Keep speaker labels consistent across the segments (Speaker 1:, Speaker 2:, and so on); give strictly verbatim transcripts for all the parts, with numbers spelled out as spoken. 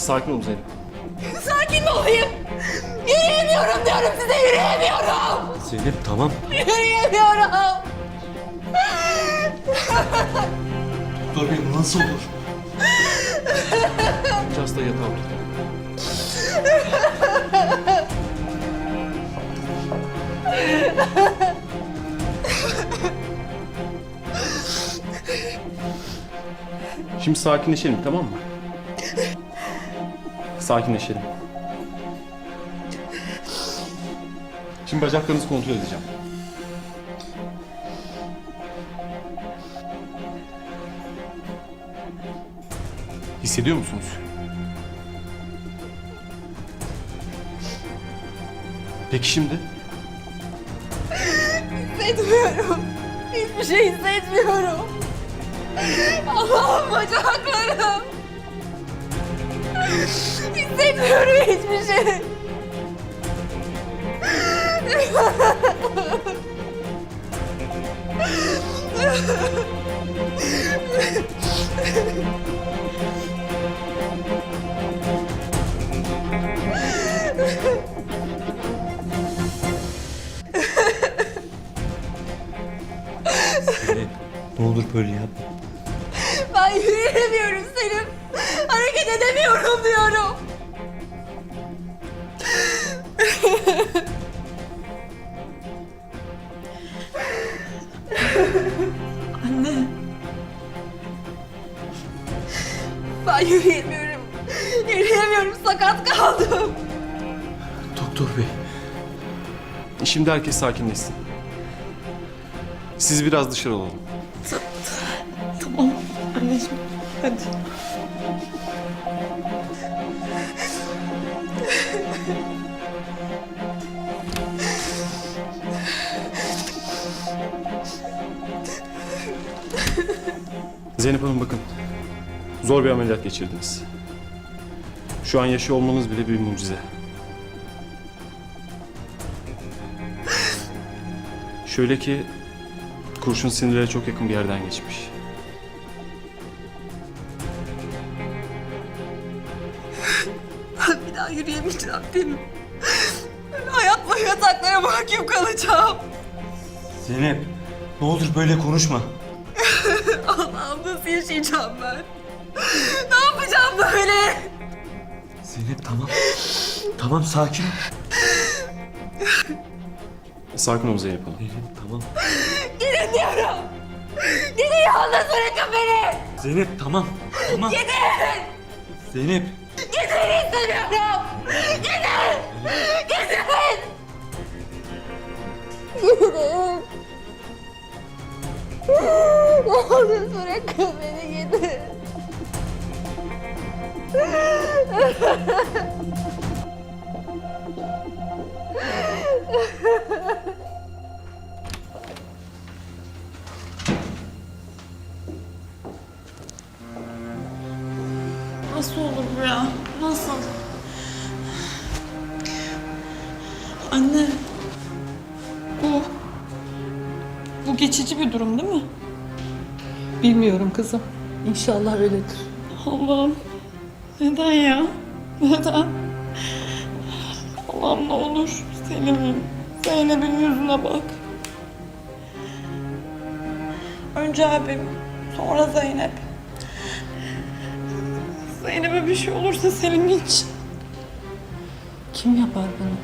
Speaker 1: Sakin ol Zeynep.
Speaker 2: Sakin mi olayım? Yürüyemiyorum diyorum size, yürüyemiyorum.
Speaker 1: Zeynep tamam.
Speaker 2: Yürüyemiyorum.
Speaker 1: Doktor bey nasıl olur? Önce hastayı yatağa otur. Şimdi sakinleşelim, tamam mı? Sakinleşelim. Şimdi bacaklarınızı kontrol edeceğim. Hissediyor musunuz? Peki şimdi?
Speaker 2: Hissetmiyorum. Hiçbir şey hissetmiyorum. Allah'ım bacaklarım. Hissetmiyorum hiçbir şey.
Speaker 1: Zeynep, ne olur böyle yapma.
Speaker 2: Ben yürüyemiyorum Selim. Hareket edemiyorum diyorum. Anne. Ben yürüyemiyorum. Yürüyemiyorum, sakat kaldım.
Speaker 1: Doktor bey. Şimdi herkes sakinleşsin. Siz biraz dışarı olalım.
Speaker 2: Tamam anneciğim, hadi.
Speaker 1: Zeynep Hanım bakın. Zor bir ameliyat geçirdiniz. Şu an yaşıyor olmanız bile bir mucize. Şöyle ki kurşun sinirlere çok yakın bir yerden geçmiş.
Speaker 2: Ben bir daha yürüyemeyeceğim değil mi? Hayat boyu yataklara mahkum kalacağım.
Speaker 3: Zeynep, ne olur böyle konuşma.
Speaker 2: Allah'ım nasıl yaşayacağım ben? Ne yapacağım böyle?
Speaker 3: Zeynep tamam. Tamam sakin ol.
Speaker 1: Sakin ol Zeynep Hanım.
Speaker 3: Zeynep tamam.
Speaker 2: Gidin diyorum. Gidin, yalnız bırakın beni.
Speaker 3: Zeynep tamam. Tamam.
Speaker 2: Gidin.
Speaker 3: Zeynep.
Speaker 2: Gidin istemiyorum. Gidin. Gidin. Gidin. Yalnız bırakın beni, gidin.
Speaker 4: Nasıl olur bu ya? Nasıl? Anne. Bu... Bu geçici bir durum değil mi?
Speaker 5: Bilmiyorum kızım. İnşallah öyledir.
Speaker 4: Allah'ım. Neden ya? Neden? Allah'ım ne olur. Selim'im. Zeynep'in yüzüne bak. Önce abim. Sonra Zeynep. Zeynep'e bir şey olursa Selim için.
Speaker 5: Kim yapar bunu?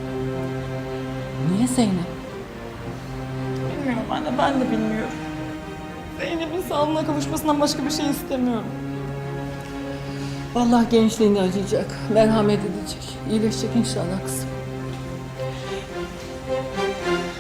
Speaker 5: Niye Zeynep?
Speaker 4: Bilmiyorum anne, ben de bilmiyorum. Zeynep'in sağlığına kavuşmasından başka bir şey istemiyorum.
Speaker 5: Vallahi gençliğini acıyacak, merhamet edecek. İyileşecek inşallah kızım.